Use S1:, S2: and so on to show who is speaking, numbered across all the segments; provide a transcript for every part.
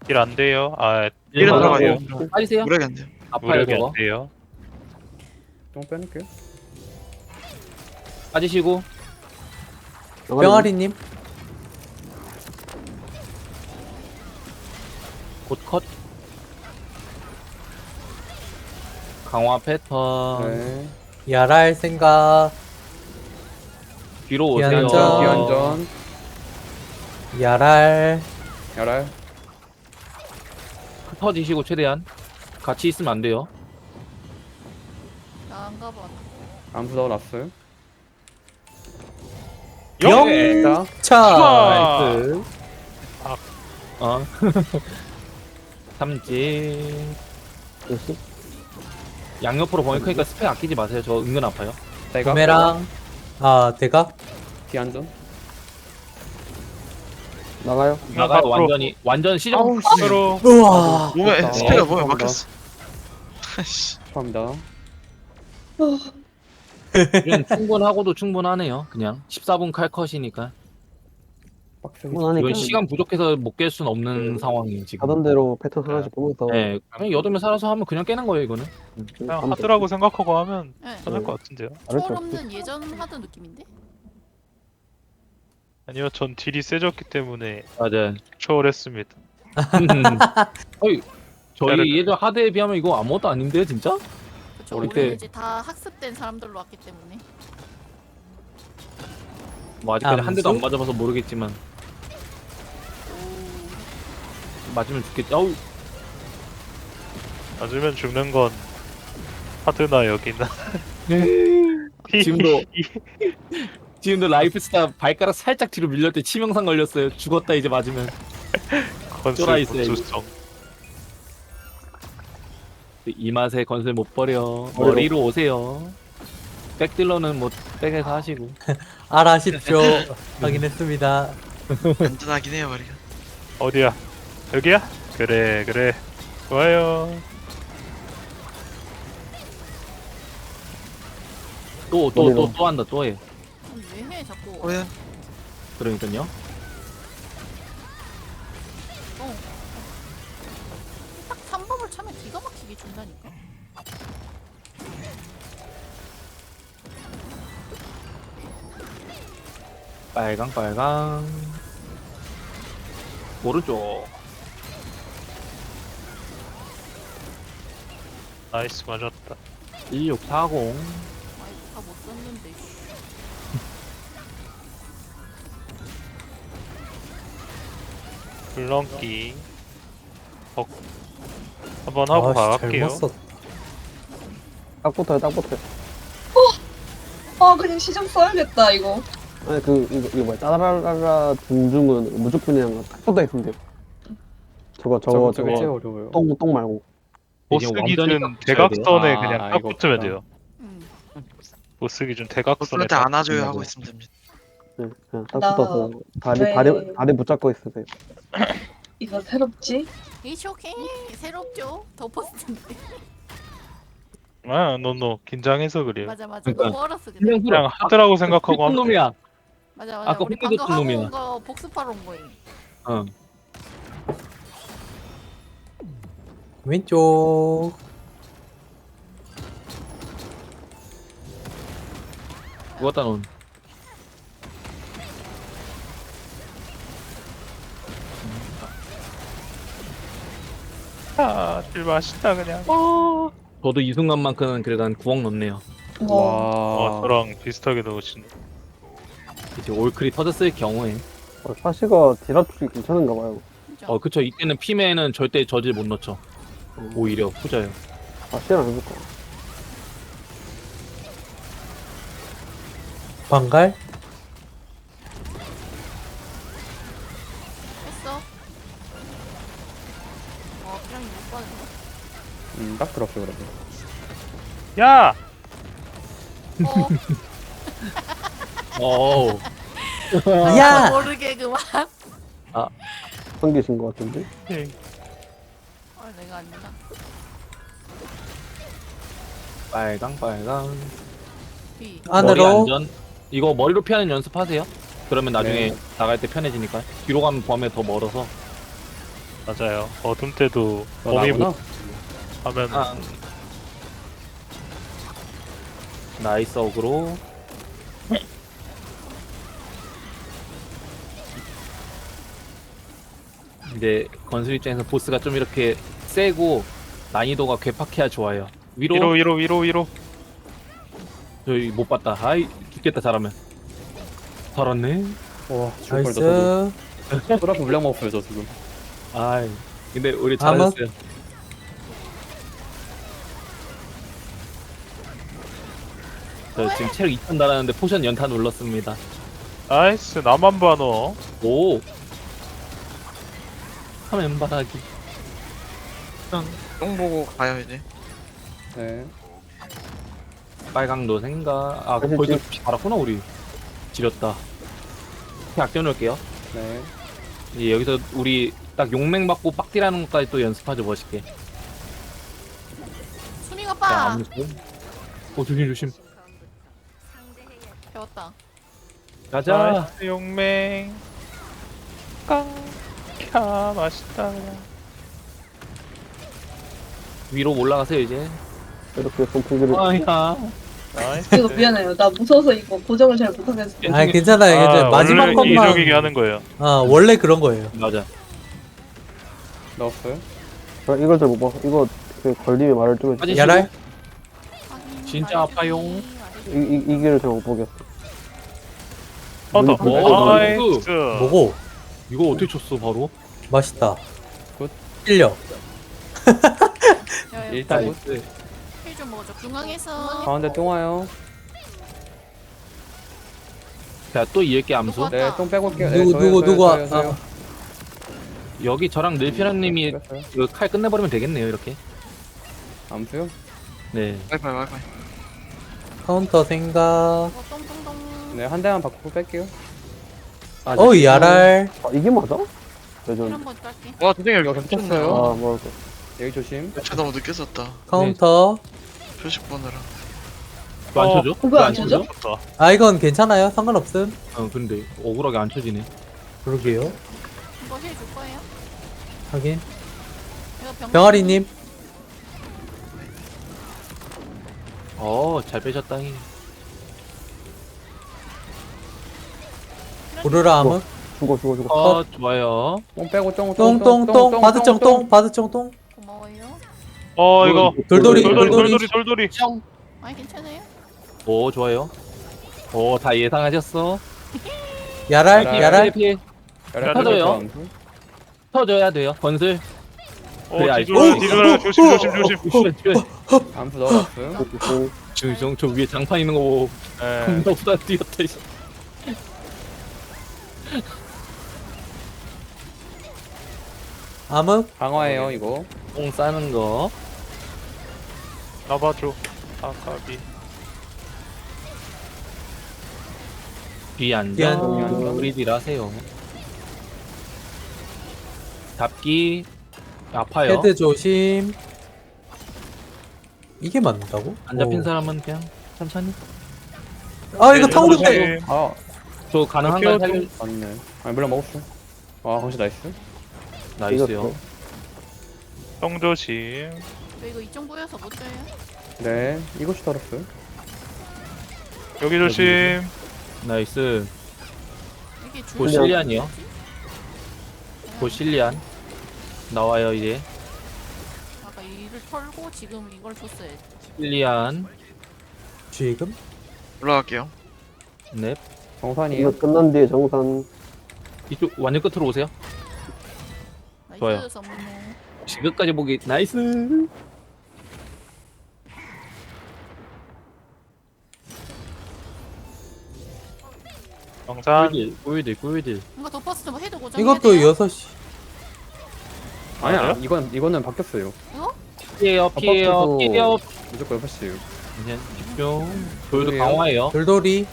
S1: 일 안 돼요. 아,
S2: 일
S3: 일은
S2: 들어가요.
S3: 들어가요.
S2: 빠지세요.
S3: 무력이 안 돼요.
S2: 아파요
S1: 무력이
S2: 저거.
S1: 안 돼요.
S4: 좀 빼놓을게요.
S2: 빠지시고.
S5: 병아리님
S2: 곧 컷. 강화 패턴.
S4: 네.
S5: 야랄 생각
S2: 뒤로 오세요.
S5: 기한전.
S4: 기한전.
S5: 야랄
S4: 열알.
S2: 흩어지시고 최대한. 같이 있으면 안 돼요.
S6: 나안 가봐.
S4: 암수 넣어놨어요.
S5: 영차
S2: 나이스.
S1: 아.
S2: 어. 삼진. 양옆으로 보낼 거니까 스펙 아끼지 마세요. 저 은근 아파요.
S4: 대각.
S5: 부메랑 대각
S4: 기한전.
S3: 나가요.
S2: 나가
S1: 앞으로.
S2: 완전 시정.
S3: 아우,
S1: 서로
S5: 우와
S3: 몸에
S4: 좋다.
S3: 스피가 몸에
S4: 감사합니다.
S3: 막혔어.
S4: 축하합니다.
S2: 이건 충분하고도 충분하네요. 그냥 14분 칼컷이니까.
S4: 빡세게.
S2: 이건 시간 부족해서 못 깰 수는 없는 상황이에요 지금.
S7: 하던 대로 패턴 하나씩 보면서
S2: 네, 그냥 여덟 살아서 하면 그냥 깨는 거예요 이거는.
S1: 그냥 하드라고 생각하고 하면
S6: 네.
S1: 편할 것 같은데요.
S6: 초월 없는 예전 하던 느낌인데?
S1: 아니요, 전 딜이 세졌기 때문에
S2: 맞아요.
S1: 초월했습니다.
S2: 어이, 저희 예전 하드에 비하면 이거 아무것도 아닌데 진짜?
S6: 그쵸.
S2: 어릴
S6: 우리는
S2: 때-
S6: 이제 다 학습된 사람들로 왔기 때문에.
S2: 뭐 아직까지 한 대도 안
S5: 암수?
S2: 맞아봐서 모르겠지만 맞으면 죽겠지. 아우
S1: 맞으면 죽는 건 하드나 여기나.
S2: 지금도 라이프스타 발가락 살짝 뒤로 밀릴 때 치명상 걸렸어요. 죽었다 이제 맞으면. 쫄아
S1: 건슬
S2: 있어요,
S1: 보수성.
S2: 이 맛에 건슬 못 버려. 머리로 오세요. 백딜러는 뭐 백에서 하시고.
S5: 알아십시오 확인했습니다
S3: 든든하긴 해요, 머리가.
S1: 어디야? 여기야? 그래 그래. 좋아요.
S2: 또 한다 또 해.
S6: 왜 해 자꾸?
S3: 왜?
S2: 그러니까요.
S6: 딱 3법을 차면 기가 막히게 준다니까.
S2: 빨강. 오른쪽.
S1: 나이스 맞았다.
S2: 1640.
S6: 아이고 다못 썼는데. 씨.
S1: 불렁기. 한번 하고 가갈게요.
S5: 잘못 썼
S7: 딱 붙어요, 딱 붙어요.
S8: 아 그냥 시정 써야겠다 이거.
S7: 아니 이거 뭐야 따라라라 둥중은 무조건이랑 딱 붙어 있으면 돼요. 저거
S4: 제일 어려워요.
S7: 똥 말고.
S1: 보스
S2: 이게
S1: 기준
S2: 완전히
S1: 대각선에
S4: 아,
S1: 그냥 딱
S4: 이거
S1: 붙으면
S4: 없다.
S1: 돼요.
S6: 음.
S1: 보스 기준 대각선에
S3: 보스한테
S1: 딱
S3: 안아줘요
S1: 붙으면
S3: 하고
S1: 돼요.
S3: 있으면 됩니다.
S7: 네, 그냥 딱
S8: 나
S7: 붙어서
S8: 왜-
S7: 다리 붙잡고 있으세요.
S8: 이거 새롭지?
S6: 이츠 오케이. 새롭죠? 더 포스트인데.
S1: 아, 노노 긴장해서 그래요.
S6: 맞아.
S2: 그러니까.
S6: 너무 어렸어 그때.
S1: 그냥 하드라고 생각하고
S2: 한
S1: 하면
S2: 놈이야.
S6: 맞아.
S2: 아까
S6: 우리
S2: 혼내줬던
S6: 방금 하고
S2: 놈이야.
S6: 온 거 복습하러 온 거임.
S2: 어.
S5: 왼쪽
S2: 죽었다 넌.
S1: 아, 딜 맛있다 그냥.
S2: 저도 이 순간만큼은 그래도 한 9억 넘네요.
S8: 와.
S1: 저랑 비슷하게 넣으시네.
S2: 이제 올클이 터졌을 경우에.
S7: 사시가 딜합줄이 괜찮은가 봐요.
S6: 진짜.
S2: 그쵸. 이때는 피메는 절대 저질 못 넣죠. 오히려 후져요.
S7: 사시는 안 해볼까?
S5: 방갈
S6: 했어. 그냥 못 받은 거.
S4: 딱 들었어 그래도.
S1: 야!
S6: 어.
S2: 어우.
S5: 야!
S6: 모르게 그만.
S7: 성기신 것 같은데?
S6: 내가 아니다.
S2: 빨강.
S6: B.
S2: 머리
S5: 안으로
S2: 안전. 이거 머리로 피하는 연습하세요. 그러면 나중에
S4: 네.
S2: 나갈 때 편해지니까. 뒤로 가면 범에 더 멀어서.
S1: 맞아요. 어둠 때도
S4: 너
S1: 범위
S4: 나구나.
S1: 하면
S2: 아. 나이스 어그로. 이제 건술 입장에서 보스가 좀 이렇게 세고 난이도가 괴팍해야 좋아요. 위로,
S1: 위로.
S2: 저희 못 봤다. 아이 죽겠다 잘하면. 살았네.
S4: 와 죽을 뻔 저도.
S5: 나이스.
S4: 소라프 물량 먹었어요 저 지금.
S2: 아이 근데 우리
S5: 아마-
S2: 잘했어요. 저 지금 체력 2천 달았는데 포션 연타 눌렀습니다.
S1: 나이스. 나만 봐 너.
S2: 오. 화면 바라기.
S3: 똥 보고 가요 이제.
S4: 네.
S2: 빨강도 생각. 아
S7: 사실
S2: 벌써 피 달았구나 우리. 지렸다. 피 아껴놓을게요.
S4: 네.
S2: 이제 여기서 우리 딱 용맹 받고 빡디라는 것까지 또 연습하죠 멋있게.
S6: 수밍
S2: 자
S6: 오빠
S2: 아무튼. 조심 조심.
S6: 배웠다.
S2: 가자.
S1: 나이스 용맹. 깡. 캬 맛있다 그냥.
S2: 위로 올라가세요 이제.
S7: 이렇게 선풍기를
S2: 아야.
S1: 나이스.
S8: 이거 미안해요. 나 무서워서 이거 고정을 잘 못하겠어.
S5: 아 괜찮아요. 괜찮아요. 마지막
S1: 원래
S5: 것만.
S1: 이적이게 하는 거예요.
S5: 아 원래 그런 거예요.
S2: 맞아.
S4: 넣었어요.
S7: 아, 이걸 잘 못 봐. 이거 그 걸림이 말을 좀 해줘.
S2: 빠지시고.
S5: 야랄.
S6: 확인,
S2: 진짜
S6: 말해주기,
S2: 아파요.
S6: 말해주기.
S7: 이 길을 잘 못 보겠어.
S1: 더.
S2: 오,
S1: 나이스.
S5: 뭐고?
S2: 이거 어떻게 쳤어 바로?
S5: 맛있다.
S4: 굿.
S5: 찔려.
S6: 야,
S4: 일단
S2: 나이스.
S6: 힐좀 먹어줘. 중앙에서.
S4: 가운데 똥 와요.
S2: 자또 이을게 암수.
S4: 네, 똥 빼고 올게요.
S5: 누구,
S4: 저요,
S5: 누구,
S4: 저요,
S5: 누구,
S4: 저요,
S5: 아.
S4: 저요.
S2: 여기 저랑 늘피랑님이
S4: 뺐어요.
S2: 이거 칼 끝내버리면 되겠네요 이렇게.
S4: 암수요?
S2: 네.
S3: 와이파이.
S5: 카운터 생각.
S6: 똥똥똥.
S4: 네, 한 대만 받고 뺄게요. 아,
S5: 어이 야랄.
S7: 아, 이게 맞아?
S6: 힐
S7: 레전드.
S6: 한번 깔게.
S3: 와 도쟁이
S4: 이거
S3: 미쳤네.
S4: 겹쳤어요.
S7: 아, 뭐,
S4: 여기 조심.
S3: 저 너무 늦게 썼다.
S5: 카운터.
S3: 표식 보느라.
S2: 이거 안 쳐줘?
S8: 그거 안 쳐져?
S1: 좋다.
S5: 아 이건 괜찮아요. 상관없음.
S2: 근데 억울하게 안 쳐지네.
S5: 그러게요.
S6: 이거 힐 줄 거예요?
S5: 하긴.
S6: 이거
S5: 병아리님.
S2: 잘 빼셨다잉.
S5: 오르라 암흑.
S7: 죽어.
S2: 좋아요.
S4: 똥 빼고
S5: 똥똥똥. 바드정 똥. 바드정 똥.
S6: 고마워요.
S1: 이거
S5: 돌돌이.
S1: 돌돌이.
S6: 아니 괜찮아요?
S2: 오 좋아요. 다 예상하셨어.
S5: 야랄.
S4: 야랄.
S5: 야랄.
S2: 피해. 터져요. 터져야 돼요. 건슬. 그래, 알죠.
S1: 뒤돌아 조심.
S4: 암수 넣어놨어요.
S2: 지금 저 위에 장판 있는 거 보고
S1: 예.
S2: 겁나 후다 뛰었다. 이씨.
S5: 암흑.
S4: 강화해요, 이거.
S2: 똥 싸는 거.
S1: 나봐줘. 아까비.
S2: 뒤 앉아.
S5: 뒤 앉아.
S2: 우리 딜 하세요. 잡기. 아파요.
S5: 헤드 조심. 이게 맞는다고?
S2: 안 잡힌
S5: 오.
S2: 사람은 그냥 천천히.
S5: 아 이거 타오른데.
S4: 아,
S2: 저 가능한가요? 살려.
S4: 맞네. 아니, 물량 먹었어. 와, 강시 나이스.
S2: 나이스요.
S1: 똥 조심.
S6: 저 이거 이쪽 보여서 못 줘요?
S4: 네, 이것이 달았어요.
S1: 여기 조심.
S2: 나이스.
S6: 이게 줄
S2: 보실리안이요. 보실리안. 나와요 이제.
S6: 아까 이를 털고 지금 이걸 줬어야지.
S2: 실리안.
S5: 지금?
S3: 올라갈게요.
S2: 넵.
S7: 이거
S4: 정산이에요.
S7: 끝난 뒤에 정산.
S2: 이쪽 완전 끝으로 오세요.
S6: 나이스
S2: 좋아요.
S6: 선물.
S2: 지금까지 보기 나이스.
S1: 정산.
S2: 꿀딜.
S6: 뭔가 덮어스 좀 해도 고정.
S5: 이것도 6시.
S4: 아니야,
S1: 맞아요?
S4: 이거는 바뀌었어요.
S2: 피해요. 피해요.
S4: 무조건 6시에요.
S2: 그냥 집중. 저희도
S4: 그래요?
S2: 강화해요.
S5: 돌돌이.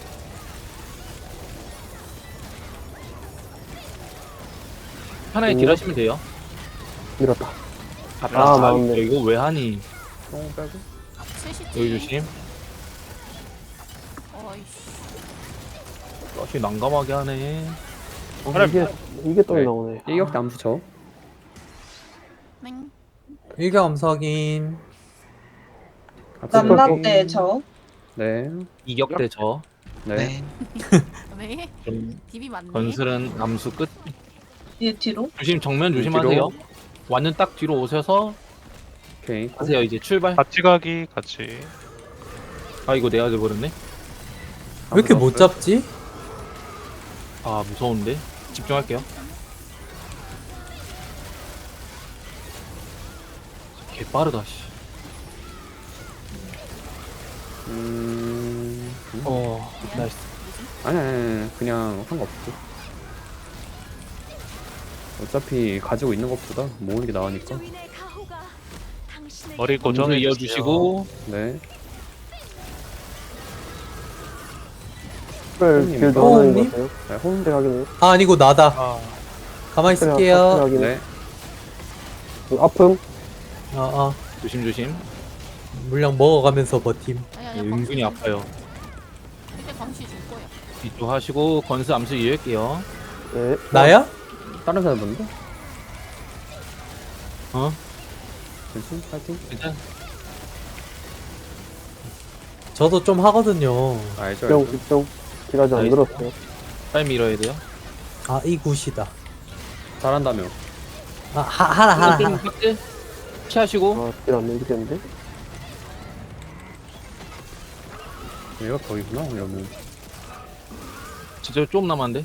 S2: 편하게
S7: 오.
S2: 딜하시면 돼요.
S7: 밀었다.
S2: 아,
S7: 나왔네.
S2: 이거 왜 하니?
S4: 똥 빼고.
S6: 셋이지.
S2: 여기 조심.
S6: 어이씨.
S2: 다시 난감하게 하네.
S7: 이게 똥이 나오네.
S4: 일격 남수 쳐.
S6: 맹.
S5: 일격 암수 확인.
S8: 남라떼 저.
S4: 네.
S2: 이격대 저.
S4: 네.
S6: 네.
S2: 좀
S6: 딥이 많네.
S2: 건슬은 암수 끝.
S8: 얘 뒤로.
S2: 조심 정면 조심하세요. 완전 딱 뒤로 오셔서
S4: 오케이.
S2: 하세요. 이제 출발.
S1: 같이 가기 같이.
S2: 아 이거 내야 돼버렸네.
S5: 왜 이렇게 못 잡지?
S2: 아 무서운데. 집중할게요. 개 빠르다 씨. 나이스.
S4: 아니, 그냥 상관없어. 어차피 가지고 있는 것보다 모으는 게 나으니까.
S1: 머리
S2: 고정을
S1: 고정해
S2: 이어주시고
S4: 네.
S7: 별
S4: 형님.
S7: 길드
S5: 어,
S7: 하나인 것
S5: 형님?
S7: 같아요.
S4: 네, 홈.
S7: 네, 확인해요.
S5: 아 아니고 나다.
S1: 아,
S5: 가만히
S7: 확인
S5: 있을게요.
S7: 확인해요.
S4: 네.
S7: 아픔.
S5: 아
S2: 조심 조심.
S5: 물량 먹어가면서 버팀.
S6: 아니
S2: 예,
S6: 아니.
S2: 은근히 아파요.
S6: 이렇게 광시 줄 거야.
S2: 뒤쪽 하시고 건슬 암수 이을게요.
S7: 네.
S5: 나야?
S4: 다른 사람 봤는데?
S2: 어?
S4: 괜찮? 파이팅?
S2: 일단
S5: 저도 좀 하거든요.
S4: 알죠,
S7: 집중
S4: 알죠.
S7: 집중. 딜하지 안
S2: 나이스.
S7: 들었어요.
S2: 빨리 밀어야 돼요.
S5: 아 이 굿이다.
S4: 잘한다며.
S5: 아 하나.
S2: 박스 피하시고
S7: 아, 딜안 밀리겠는데?
S4: 얘가 거기구나, 그러면.
S2: 진짜 좀 남았는데.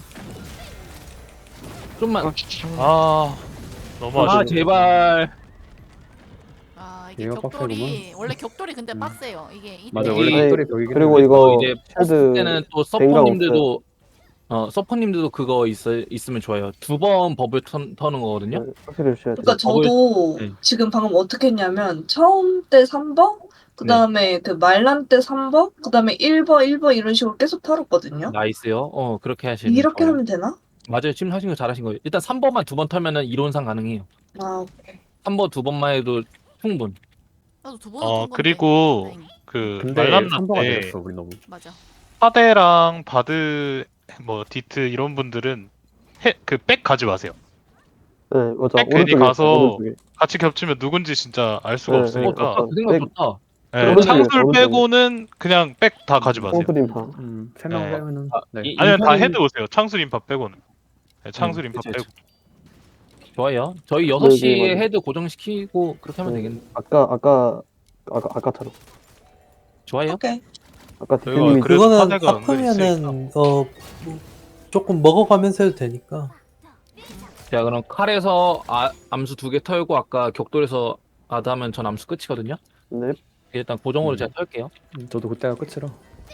S2: 좀만.
S1: 아 너무
S2: 아
S1: 아쉽네.
S2: 제발.
S6: 아 이게
S4: 얘가
S6: 격돌이 원래 격돌이 근데 빡세요. 이게
S2: 맞아,
S6: 이때
S2: 원래
S7: 네,
S4: 격돌이 벽이긴
S7: 그리고
S4: 해.
S7: 이거
S2: 이제
S7: 쉴드
S2: 때는 또
S7: 뱅가
S2: 서퍼님들도 서퍼님들도 그거 있으면 좋아요. 두 번 버블 터는 거거든요.
S7: 네, 확실히 주셔야 돼요.
S8: 그러니까 저도
S2: 네.
S8: 지금 방금 어떻게 했냐면 처음 때 3번, 그 다음에 그 말란 때 3번, 그 다음에 1번, 1번 이런 식으로 계속 털었거든요.
S2: 나이스요. 그렇게 하시면
S8: 이렇게
S2: 좋아요.
S8: 하면 되나?
S2: 맞아요. 지금 하신 거 잘하신 거예요. 일단 3번만 두 번 털면은 이론상 가능해요.
S8: 아,
S2: 3번 두 번만 해도 충분.
S6: 나도 두 번은 턴 건데.
S1: 그리고
S6: 다행히.
S1: 그
S4: 근데
S1: 말람나
S4: 3번가
S1: 때
S4: 내렸어, 우리 너무.
S6: 맞아.
S1: 파데랑 바드 뭐 디트 이런 분들은 그 백 가지 마세요.
S7: 네, 맞아.
S1: 백 괜히
S7: 오른쪽에
S1: 가서
S7: 오른쪽에.
S1: 같이 겹치면 누군지 진짜 알 수가
S7: 네,
S1: 없으니까.
S7: 네,
S2: 그 생각
S7: 백.
S2: 좋다.
S1: 네,
S7: 오른쪽에,
S1: 창술
S7: 오른쪽에.
S1: 빼고는 그냥 백 다 가지 마세요.
S7: 콩프림파.
S4: 3명
S1: 네.
S4: 빼면은. 네.
S1: 아니면 다 헤드 오세요. 창술 인파 빼고는. 네, 창술 인파
S2: 그치,
S1: 빼고.
S2: 그치. 좋아요. 저희
S7: 네,
S2: 6시에
S7: 맞아요.
S2: 헤드 고정시키고 그렇게 하면
S7: 네.
S2: 되겠네.
S7: 아까처럼.
S2: 좋아요.
S8: 오케이.
S7: 아까
S1: 저희가
S7: 대표님이
S1: 그래도
S5: 그거는
S1: 파데가 은근히
S5: 아프면은 조금 먹어가면서 해도 되니까.
S2: 자 그럼 칼에서 암수 2개 털고 아까 격돌에서 아드 하면 전 암수 끝이거든요.
S7: 네.
S2: 일단 고정으로 제가 털게요.
S4: 저도 그때가 끝이라.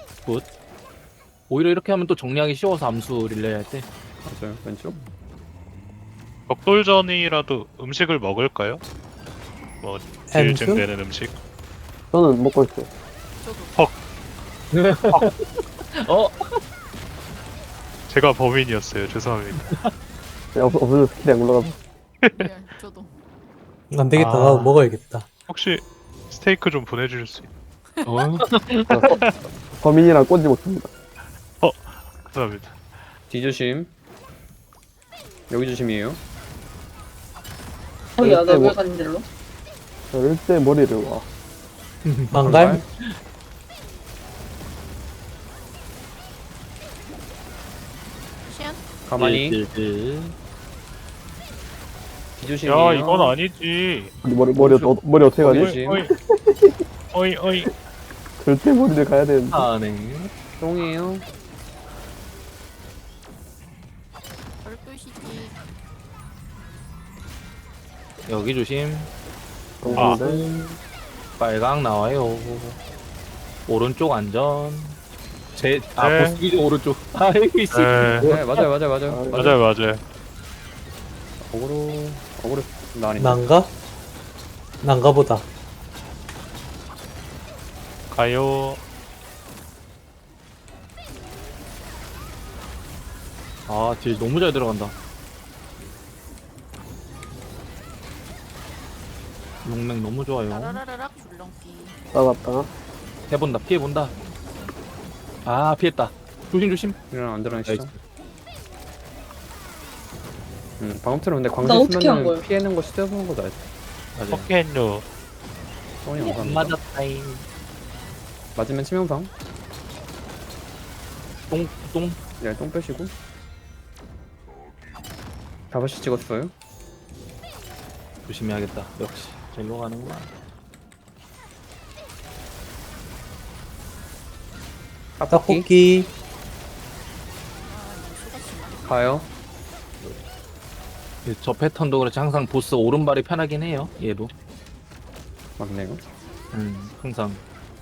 S2: 오히려 이렇게 하면 또 정리하기 쉬워서 암수 릴레이 할 때.
S4: 맞아요, 왼쪽.
S1: 격돌전이라도 음식을 먹을까요? 뭐 딜
S5: 햄스?
S1: 증되는 음식.
S7: 저는 먹고 있어요.
S6: 저도.
S1: 제가 범인이었어요. 죄송합니다.
S7: 네, 없어서 스킬이 안 올라가서.
S6: 리얼, 저도.
S5: 안 되겠다.
S1: 아.
S5: 나도 먹어야겠다.
S1: 혹시 스테이크 좀 보내주실 수 있나요?
S7: 범인이랑 꽂지 못합니다.
S1: 감사합니다.
S4: 뒤조심. 여기 조심이에요.
S8: 야, 나
S7: 뭐-
S8: 왜 가는 길로?
S7: 절대 머리를 와.
S5: 망갈?
S6: 시안?
S4: 가만히.
S2: 딜.
S4: 뒤조심이에요.
S1: 야 이건 아니지.
S7: 머리 어떻게 가지?
S4: 조심.
S1: 어이.
S7: 절대 머리를 가야 되는데.
S2: 네.
S4: 똥이에요.
S6: 12시지.
S2: 여기 조심.
S7: 감사합니다.
S2: 빨강 나와요. 오른쪽 안전.
S1: 네.
S2: 보스기죠 오른쪽. 아 여기 있어.
S1: 네,
S4: 네, 맞아요.
S1: 맞아요.
S4: 어그로 나 아닌데.
S5: 난가? 난가보다.
S1: 가요.
S2: 딜 너무 잘 들어간다. 용맹 너무 좋아요.
S6: 라라라락 줄넘기.
S7: 나갔다.
S2: 해본다. 피해본다. 아 피했다. 조심.
S4: 이런 안 들어가시죠.
S2: 나이스.
S4: 방금처럼 근데
S8: 나
S4: 광대
S8: 어떻게 한
S4: 쓰면은
S8: 거야?
S4: 피하는 거 시도해보는 거도 알지.
S2: 맞아요.
S1: 포켓류.
S4: 성원이
S2: 안
S4: 감사합니다.
S2: 맞았다잉.
S4: 맞으면 치명상.
S2: 똥.
S4: 네, 똥 빼시고. 5시 찍었어요.
S2: 조심해야겠다. 역시 절로 가는구나.
S5: 떡볶이.
S4: 가요.
S2: 저 패턴도 그렇지 항상 보스 오른발이 편하긴 해요. 얘도.
S4: 맞네요.
S2: 항상.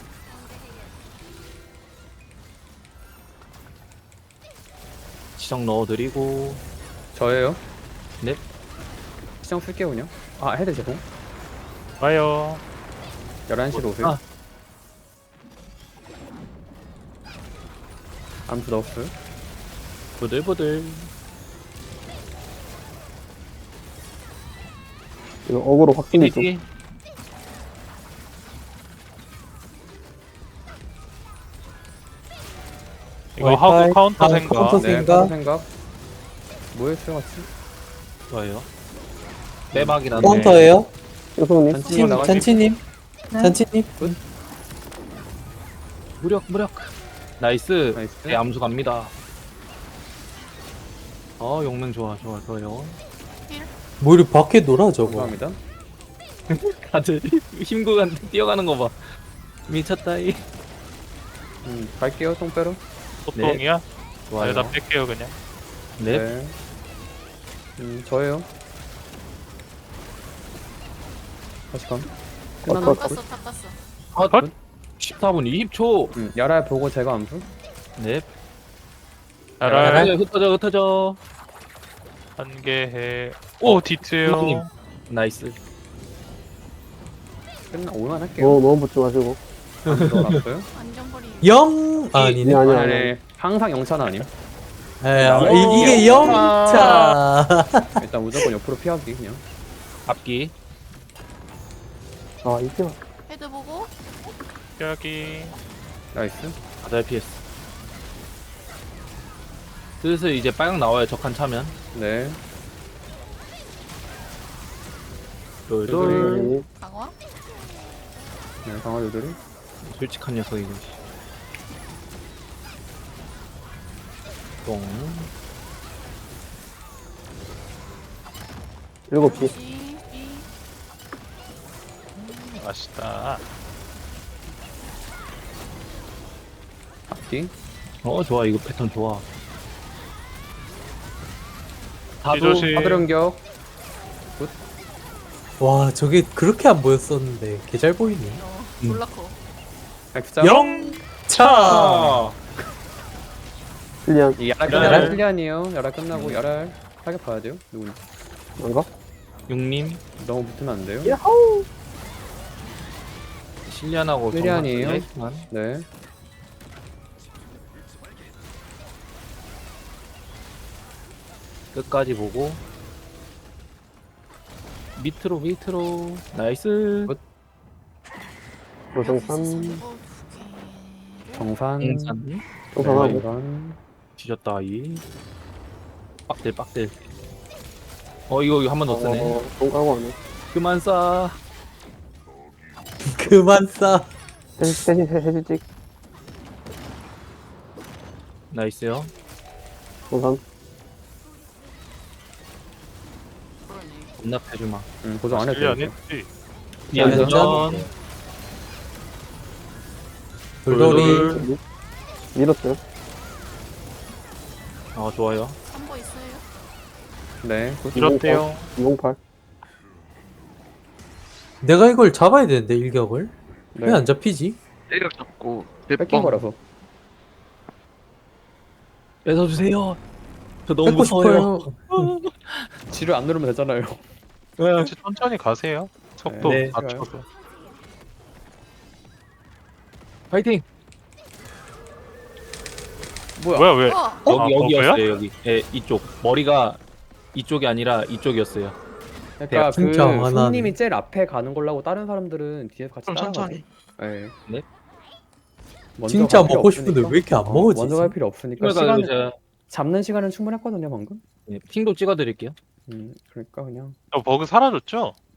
S2: 시정 넣어드리고.
S4: 저예요.
S2: 네.
S4: 시장 쓸게요 그냥. 아 헤드 제공.
S1: 와요.
S4: 11시로 오세요.
S2: 아.
S4: 암수 넣었어요.
S2: 부들부들.
S7: 이거 어그로 확실히 좀.
S2: 뒤.
S1: 이거 하고
S5: 와이파이.
S1: 카운터
S5: 아,
S1: 생각.
S5: 카운터
S4: 네,
S5: 생각.
S4: 카운터 생각. 뭐였어요 같이?
S2: 좋아요. 빼박이라네.
S5: 카운터예요.
S7: 형님.
S4: 잔치님
S5: 친,
S4: 나가시.
S5: 잔치님.
S8: 네.
S5: 잔치님.
S2: 무력. 나이스.
S4: 나이스.
S2: 네, 암수 갑니다. 용맹 좋아요.
S5: 뭐 이리 밖에 놀아 저거.
S4: 감사합니다.
S2: 다들 힘구간 뛰어가는 거 봐. 미쳤다이.
S4: 갈게요 똥 빼러.
S1: 보통이야?
S2: 좋아요.
S1: 여기다 뺄게요 그냥.
S2: 네.
S4: 저예요. 다시 감.
S7: 어,
S4: 끝났나?
S7: 어,
S6: 탔어 탔어.
S2: 컷. 14분 20초.
S4: 야랄 보고 제가 암수.
S2: 네.
S1: 알아.
S2: 흩어져.
S1: 한 개 해. 오 디트요.
S2: 형님. 나이스.
S4: 올만 할게요.
S7: 너무 붙지 마시고.
S4: 암수 넣어놨어요.
S6: 안전거리.
S5: 영 아니네.
S7: 아니,
S4: 아, 네. 항상 영차는 아님.
S5: 이게 영차.
S4: 일단 무조건 옆으로 피하기 그냥.
S2: 앞기.
S7: 아, 이게 맞
S6: 헤드 보고.
S1: 여기.
S4: 나이스.
S2: 다들 PS. 슬슬 이제 빨강 나와요. 적한 차면.
S4: 네.
S2: 돌돌.
S7: 네.
S6: 강화.
S4: 네, 강화도들이.
S2: 솔직한 녀석이고. 똥.
S7: 7시.
S6: C, B.
S1: 맛있다.
S4: 앞뒤.
S2: 좋아. 이거 패턴 좋아.
S1: 조심.
S4: 하드 연격.
S5: 와 저게 그렇게 안 보였었는데 개 잘 보이네.
S6: 졸라 커.
S4: X자.
S5: 영차.
S7: 필리안.
S4: 이 야랄
S5: 야랄?
S4: 끝나고 필리안이에요. 야랄 끝나고 야랄 타격 봐야 돼요. 누군지.
S7: 안 가?
S2: 육님.
S4: 너무 붙으면 안 돼요.
S2: 실리안하고
S4: 실리안이에요?
S2: 정말
S4: 네.
S2: 끝까지 보고 밑으로 나이스.
S4: 굿.
S7: 로정산.
S6: 어,
S4: 정산.
S2: 인산
S7: 정산하고.
S4: 정산.
S2: 뒤졌다 이 빡들 이거 한 번 더 쓰네.
S7: 똥 까고 하네.
S2: 그만 싸.
S5: 그만 싸.
S7: 대신 해지찍.
S2: 나이스요.
S7: 정산.
S6: 그러네.
S2: 겁나 패주마.
S4: 고정 안 해도
S1: 실리 안
S4: 돼요.
S1: 했지.
S2: 미안전.
S5: 돌돌이.
S7: 밀었어요.
S2: 좋아요.
S6: 3보 있어요.
S4: 네.
S1: 이렇대요.
S7: 208.
S5: 내가 이걸 잡아야 되는데 일격을.
S4: 네.
S5: 왜 안 잡히지?
S3: 때려 잡고
S4: 뺏긴
S3: 몇 번.
S4: 거라서.
S2: 뺏어주세요. 저 너무
S5: 뺏고
S2: 무서워요.
S5: 싶어요.
S4: 지를 안 누르면 되잖아요.
S1: 천천히 가세요. 속도
S2: 네.
S1: 맞춰서.
S2: 파이팅.
S1: 뭐야 왜?
S2: 여기였어요
S1: 버그야?
S2: 여기. 예, 이쪽 머리가 이쪽이 아니라 이쪽이었어요.
S4: 그러니까 그
S5: 진짜 화나네.
S4: 손님이 제일 앞에 가는 걸로 하고 다른 사람들은 뒤에서 같이
S3: 좀
S4: 따라가죠.
S3: 천천히.
S4: 네.
S2: 네.
S4: 먼저
S5: 진짜
S4: 갈 필요
S5: 먹고 싶은데
S4: 없으니까.
S5: 왜 이렇게 안 먹어지지?
S4: 먼저 갈 필요 없으니까
S2: 그러니까
S4: 시간
S2: 제가
S4: 잡는 시간은 충분했거든요 방금.
S2: 핑도 찍어드릴게요.
S4: 그러니까 그냥
S1: 버그 사라졌죠?